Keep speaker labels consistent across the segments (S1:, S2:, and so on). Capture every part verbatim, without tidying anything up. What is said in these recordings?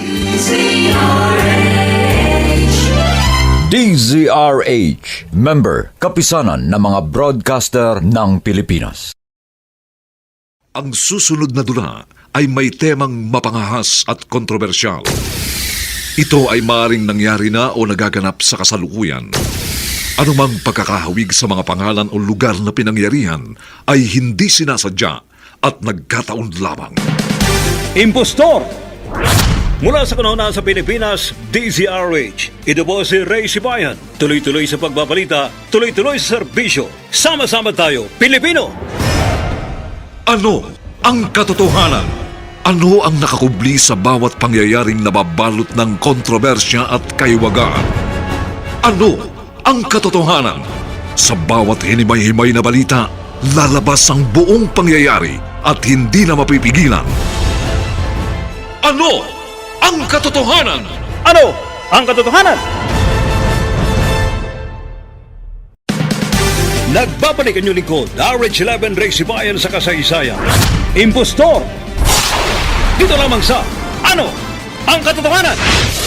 S1: D Z R H, member, kapisanan ng mga broadcaster ng Pilipinas.
S2: Ang susunod na dula ay may temang mapangahas at kontrobersyal. Ito ay maaaring nangyari na o nagaganap sa kasalukuyan. Anumang pagkakahawig sa mga pangalan o lugar na pinangyarihan ay hindi sinasadya at nagkataon lamang.
S3: Impostor! Mula sa kanuna sa Pilipinas, D Z R H. Ito po si Ray Sibayan. Tuloy-tuloy sa pagbabalita, tuloy-tuloy sa serbisyo. Sama-sama tayo, Pilipino!
S2: Ano ang katotohanan? Ano ang nakakubli sa bawat pangyayaring nababalot ng kontrobersya at kaiwagaan? Ano ang katotohanan? Sa bawat hinimay-himay na balita, lalabas ang buong pangyayari at hindi na mapipigilan. Ano ang katotohanan?
S3: Ano ang katotohanan? Nagbabalik ang inyong lingkod, R H eleven Ray Sibayan sa kasaysayan. Impostor! Dito lamang sa Ano ang katotohanan?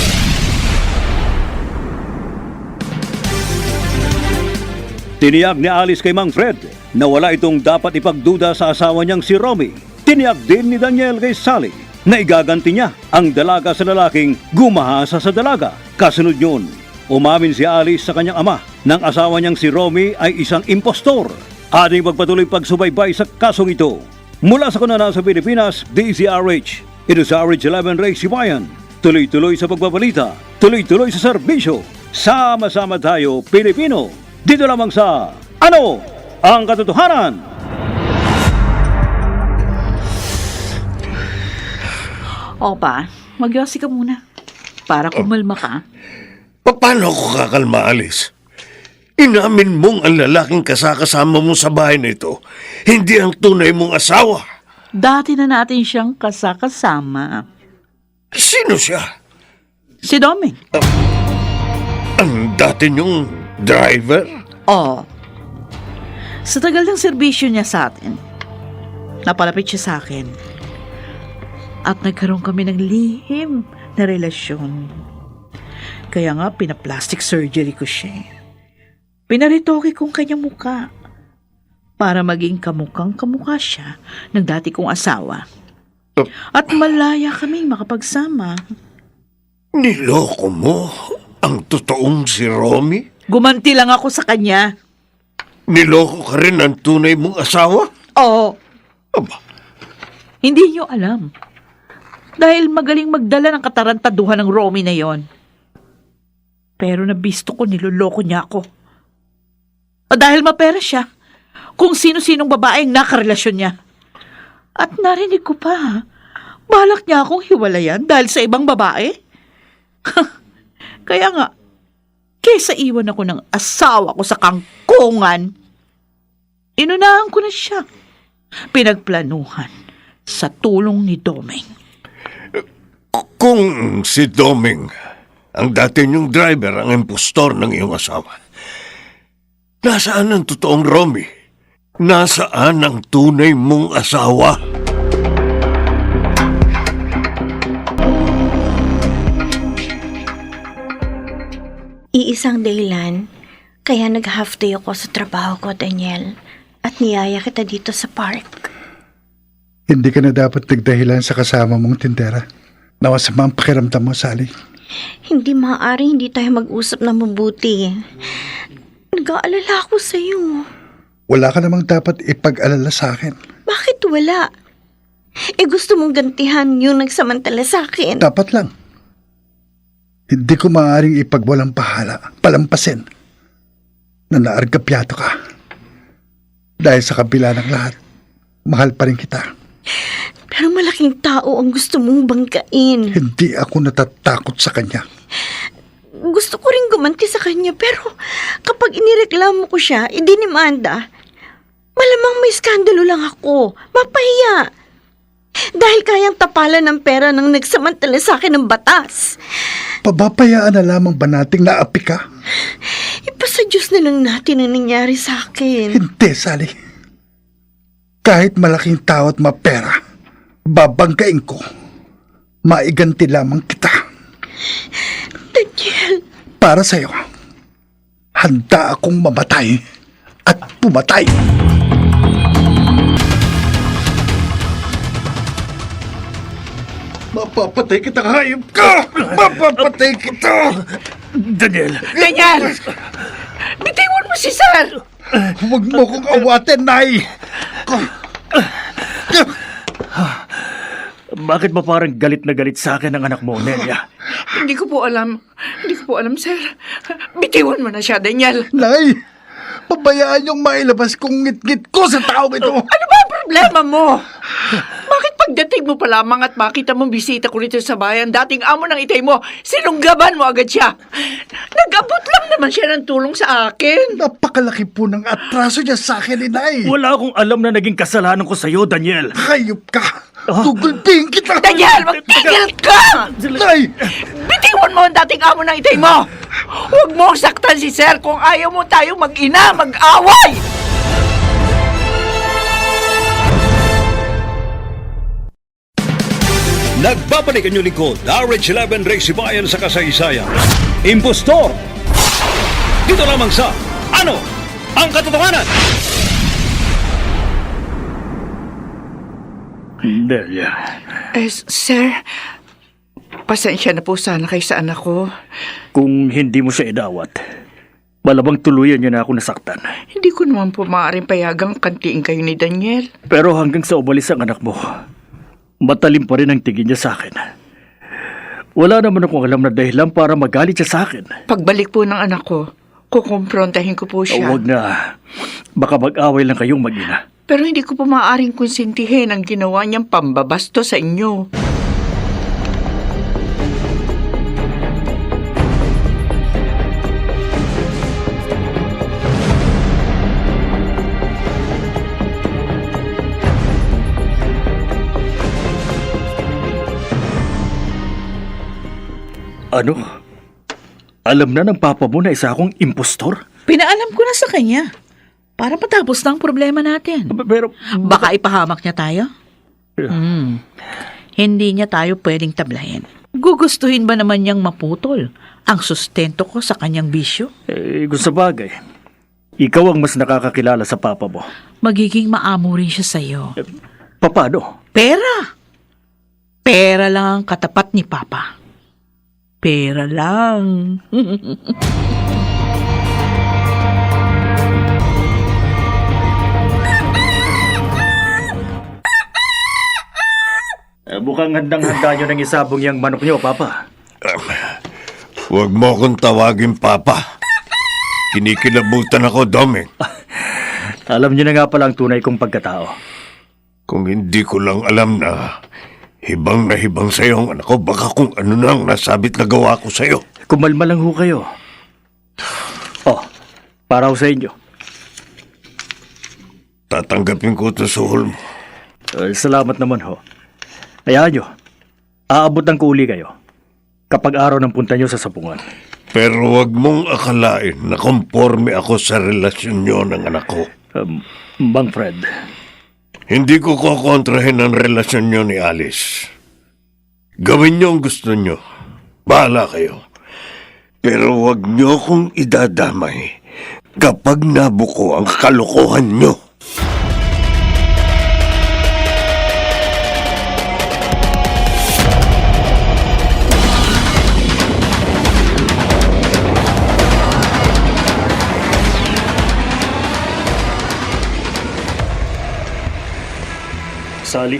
S3: Tiniyak ni Alice kay Mang Fred na wala itong dapat ipagduda sa asawa niyang si Romy. Tiniyak din ni Daniel kay Sally na igaganti niya ang dalaga sa lalaking gumahasa sa dalaga. Kasunod yun, umamin si Alice sa kanyang ama ng asawa niyang si Romy ay isang impostor. Ating pagpatuloy pagsubaybay sa kasong ito. Mula sa kanana sa Pilipinas, D Z R H. Ito sa R H eleven Ray Sibayan. Tuloy-tuloy sa pagbabalita, tuloy-tuloy sa serbisyo. Sama-sama tayo, Pilipino. Dito lamang sa Ano ang katotohanan?
S4: Opa, magyosi ka muna. Para kumalma ka.
S5: Paano ako kakalma, Alice? Inamin mong ang lalaking kasakasama mo sa bahay na ito, hindi ang tunay mong asawa.
S4: Dati na natin siyang kasakasama.
S5: Sino siya?
S4: Si Doming.
S5: Ang dati niyong driver?
S4: Oo. Sa tagal ng serbisyo niya sa atin, napalapit siya sa akin. At nagkaroon kami ng lihim na relasyon. Kaya nga, pinaplastic surgery ko siya. Pinaritoke kong kanyang muka para maging kamukhang kamukha siya ng dati kong asawa. At malaya kaming makapagsama.
S5: Niloko mo ang totoong si Romy?
S4: Gumanti lang ako sa kanya.
S5: Niloko ka rin ang tunay mong asawa?
S4: Oo.
S5: Aba,
S4: Hindi niyo alam. Dahil magaling magdala ng katarantaduhan ng Romy na yon. Pero nabisto ko niloloko niya ako. O dahil mapera siya, kung sino-sinong babaeng nakarelasyon niya. At narinig ko pa, balak niya akong hiwalayan dahil sa ibang babae. Kaya nga, kesa iwan ako ng asawa ko sa kangkungan, inunahan ko na siya. Pinagplanuhan sa tulong ni Doming.
S5: kung si Doming, ang dati niyong driver, ang impostor ng iyong asawa, nasaan ang totoong Romy? Nasaan ang tunay mong asawa?
S6: Iisang dahilan, kaya nag-half day ako sa trabaho ko, Daniel, at niyaya kita dito sa park.
S7: Hindi ka na dapat nagdahilan sa kasama mong tindera. Nawasama ang pakiramdam mo, Sally.
S6: Hindi maaaring hindi tayo mag-usap na mabuti. Nag-aalala ako sa'yo.
S7: Wala ka namang dapat ipag-alala sa akin.
S6: Bakit wala? Eh gusto mong gantihan yung nagsamantala sa akin.
S7: Dapat lang. Hindi ko maaaring ipagwalang pahala, palampasin, na naargapyato ka. Dahil sa kabila ng lahat, mahal pa rin kita.
S6: Pero malaking tao ang gusto mong banggain.
S7: Hindi ako natatakot sa kanya.
S6: Gusto ko rin gumanti sa kanya, pero kapag inireklamo ko siya, idinimanda, malamang may skandalo lang ako. Mapahiya. Dahil kayang tapalan ng pera ng nagsamantala sa akin ng batas.
S7: Pabapayaan na lamang ba nating naapi ka?
S6: Ipasa Diyos na lang natin ang nangyari sa akin.
S7: Hindi, Sally. Kahit malaking tao at mapera, babanggain ko. maiganti lamang kita.
S6: Daniel,
S7: Para sa'yo, handa akong mamatay at pumatay. Mapapatay kita, hayop ka! Mapapatay kita!
S3: Daniel!
S8: Daniel! Bitiwan mo si Sir!
S7: Huwag mo kong awatin, Nay!
S3: Bakit ba parang galit na galit sa akin ang anak mo, Nelia?
S8: Hindi ko po alam. Hindi ko po alam, Sir. Bitiwan mo na siya, Daniel.
S7: Nay! Pabayaan yung mailabas kong ngit-ngit ko sa taong ito!
S8: Ano ba ang problema mo? Bakit pagdating mo pa lamang at makita mong bisita ko rito sa bayan, dating amo ng itay mo, sinunggaban mo agad siya? Nag-abot lang naman siya ng tulong sa akin.
S7: Napakalaki po ng atraso niya sa akin, Inay!
S3: Wala akong alam na naging kasalanan ko sa'yo, Daniel.
S7: Hayop ka! Gugulping kita!
S8: Daniel, magtigil ka!
S7: Nay!
S8: Bitiwan mo ang dating amo ng itay mo! Huwag mo saktan si Sir kung ayaw mo tayo mag-ina, mag-away!
S3: Nagbabalik ang inyong lingkod, R H eleven Race Bayan sa kasaysayan. Impostor! Dito lamang sa Ano ang Katotohanan? Delia.
S8: Eh, Sir, pasensya na po sana kay sa anak ko.
S3: Kung hindi mo siya idawat, malabang tuluyan niya na ako nasaktan.
S8: Hindi ko naman po maaaring payagang kantiin kayo ni Daniel.
S3: Pero hanggang sa umalis ang anak mo, matalim pa rin ang tingin niya sa akin. Wala naman akong alam na dahilan para magalit siya sa akin.
S8: Pagbalik po ng anak ko, kukumprontahin ko po siya.
S3: Huwag na. Baka mag-away lang kayong mag-ina.
S8: Pero hindi ko po maaaring konsintihin ang ginawa niyang pambabasto sa inyo.
S3: Ano? Alam na ng papa mo na isa akong impostor?
S4: Pinaalam ko na sa kanya. Para matapos na ang problema natin.
S3: Pero...
S4: Baka ipahamak niya tayo? Hmm. Hindi niya tayo pwedeng tablahin. Gugustuhin ba naman niyang maputol ang sustento ko sa kanyang bisyo?
S3: Eh, kung sa bagay, ikaw ang mas nakakakilala sa papa mo.
S4: Magiging maamo rin siya sa'yo.
S3: Paano?
S4: Pera! Pera lang ang katapat ni Papa. Pera lang.
S3: Eh, mukhang handang-handa nyo ng isabong yung manok nyo, Papa.
S5: Huwag mo akong tawagin, Papa. Kinikilabutan ako, Doming.
S3: Alam nyo na nga pala ang tunay kong pagkatao.
S5: Kung hindi ko lang alam na hibang na hibang sa'yo ang anak ko, baka kung ano na ang nasabit na gawa ko sa'yo.
S3: Kumalma lang ho kayo. Oh, para ho sa inyo.
S5: Tatanggapin ko ito sa hul mo.
S3: Eh, salamat naman ho. Hayaan nyo, aabot ng kuuli kayo kapag araw ng punta nyo sa sapungan.
S5: Pero wag mong akalain na konforme ako sa relasyon nyo ng anak ko.
S3: Um, Bang Fred,
S5: Hindi ko kukontrahin ang relasyon nyo ni Alice. Gawin nyo ang gusto nyo. Bahala kayo. Pero wag nyo kong idadamay kapag nabuko ang kalokohan nyo.
S3: Sally.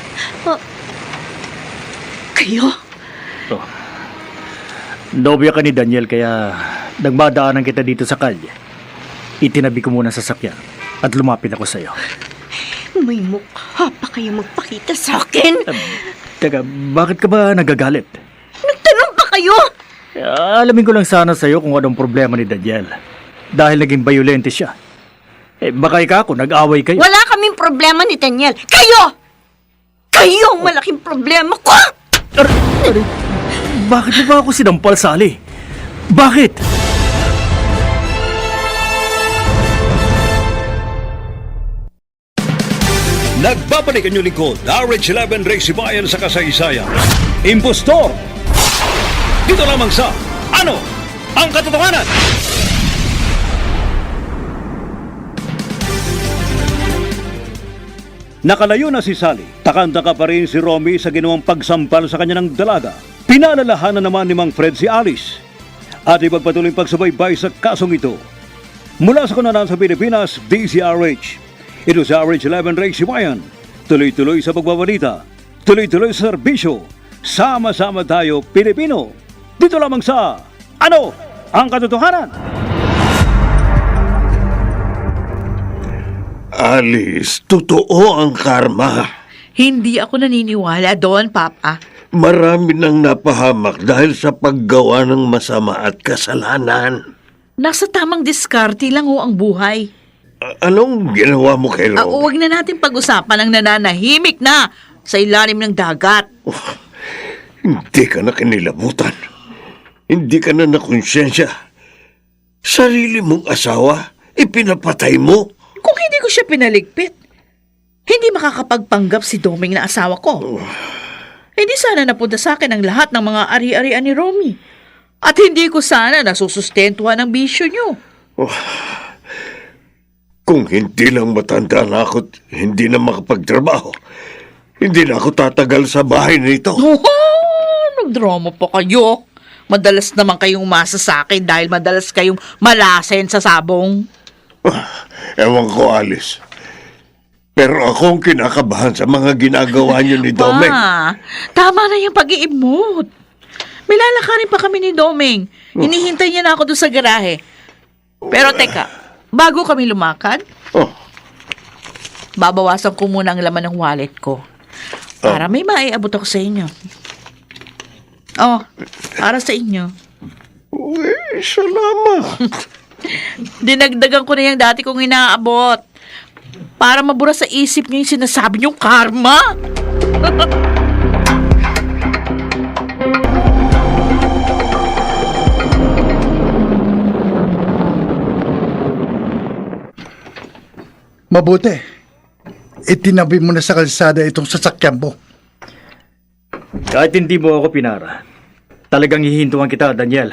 S6: kayo?
S3: Oh. Nobya ka ni Daniel kaya nagmadaanan kita dito sa kalye. Itinabi ko muna sa sakyan at lumapit ako sa'yo.
S6: May mukha pa kayo magpakita sa akin?
S3: Um, teka, bakit ka ba nagagalit?
S6: Nagtanong pa kayo?
S3: Uh, alamin ko lang sana sa'yo kung anong problema ni Daniel. Dahil naging violente siya. Eh, baka ikaw ako, nag-away kayo.
S6: Wala kaming problema ni Daniel. Kayo! Kayo ang malaking problema ko!
S3: Ar- ar- bakit mo ba ako sinampal, Sally? Bakit? Nagbabalik ang inyong lingkod, R H eleven Race Bayan sa kasaysayan. Impostor! Dito lamang sa Ano ang Katotohanan? Nakalayo na si Sally. Takanda ka pa rin si Romy sa ginawang pagsampal sa kanya ng dalaga. Pinalalahanan naman ni Mang Fred si Alice. At ipagpatuloy pagsubaybay sa kasong ito. Mula sa kunanan sa Pilipinas, D Z R H. Ito sa R H eleven Race Bayan. Tuloy-tuloy sa pagbabalita. Tuloy-tuloy sa serbisyo. Sama-sama tayo, Pilipino. Dito lamang sa Ano ang Katotohanan?
S5: Alice, totoo ang karma.
S4: Hindi ako naniniwala doon, Papa.
S5: Marami nang napahamak dahil sa paggawa ng masama at kasalanan.
S4: Nasa tamang diskarte lang ho ang buhay.
S5: A- anong ginawa mo kay
S4: Ah,
S5: Romy?
S4: huwag na natin pag-usapan ang nananahimik na sa ilalim ng dagat.
S5: Hindi ka na kinilabutan. Hindi ka na nakonsensya. Sarili mong asawa, ipinapatay mo.
S4: Kung hindi ko siya pinaligpit, hindi makakapagpanggap si Doming na asawa ko. Hindi sana napunta sa akin ang lahat ng mga ari-arian ni Romy. At hindi ko sana nasusustentuhan ang bisyo niyo.
S5: Kung hindi lang matanda na ako at hindi na makapagtrabaho, hindi na ako tatagal sa bahay na ito.
S4: Oh, nagdrama pa kayo. Madalas naman kayong umasa sa akin dahil madalas kayong malasen sa sabong.
S5: Ewan ko, Alice. Pero ako ang kinakabahan sa mga ginagawa niyo ni Domeng.
S4: Pa, tama na yung pag-iimot. May lalakarin pa kami ni Domeng. Hinihintay niya na ako doon sa garahe. Pero teka, bago kami lumakad,
S5: Oh,
S4: babawasan ko muna ang laman ng wallet ko. Para may maiabot ako sa inyo. Oh, para sa inyo.
S5: uy, salamat.
S4: Dinagdagan ko na yung dati kong inaabot. Para mabura sa isip niyo yung sinasabi niyong karma.
S7: Mabuti. Itinabi mo na sa kalsada itong sasakyan mo.
S9: Kahit hindi mo ako pinara, talagang hihintuan kita, Daniel.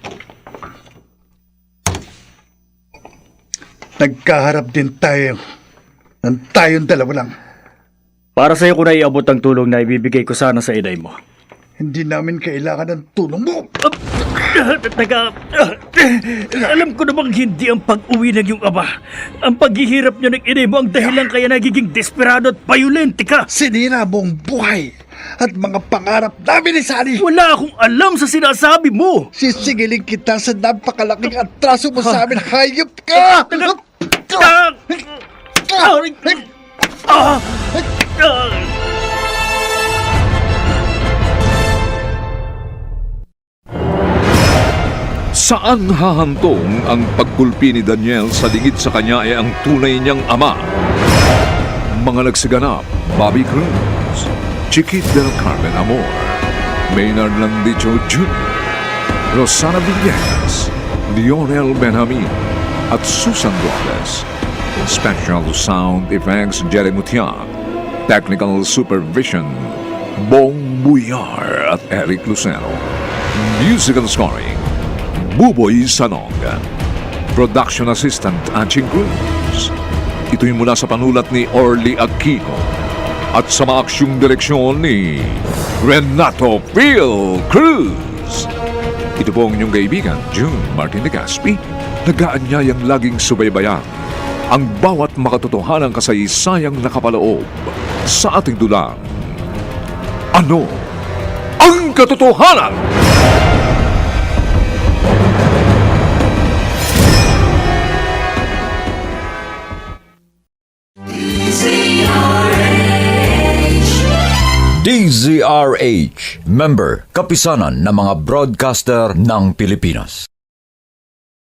S7: Nagkaharap din tayo ng tayong dalawa lang.
S9: Para sa'yo ko na iabot ang tulong na ibibigay ko sana sa inay mo.
S7: Hindi namin kailangan ng tulong mo.
S9: Teka, alam ko namang hindi ang pag-uwi ng iyong ama. Ang paghihirap niyo ng inay mo ang dahilan kaya nagiging desperado at violente ka.
S7: Sinira mo ang buhay at mga pangarap namin ni Sally.
S9: Wala akong alam sa sinasabi mo.
S7: Sisigilin kita sa napakalaking atraso mo sa amin. Hayop ka!
S9: Ah! Ah! Ah!
S2: Saan hahantong ang pagkulpi ni Daniel sa lingid sa kanya ay ang tunay niyang ama? Mga nagsiganap, Bobby Cruz, Chiquit del Carmen Amor, Maynard Landicho Junior, Rosana Villegas, Lionel Benjamin, at Susan Robles. Special Sound Effects Jerry Mutiak, Technical Supervision Bong Buyar at Eric Lucero. Musical Scoring Buboy Sanog. Production Assistant Anching Cruz. Ito'y mula sa panulat ni Orly Aquino at sa maaksyong direksyon ni Renato Phil Cruz. Ito po ang inyong kaibigan, June Martin de Gaspi, nag-aanyayang laging subaybayan ang bawat makatotohanang kasaysayang nakapaloob sa ating dulang. Ano ang katotohanan?
S1: D Z R H, member, kapisanan ng mga broadcaster ng Pilipinas.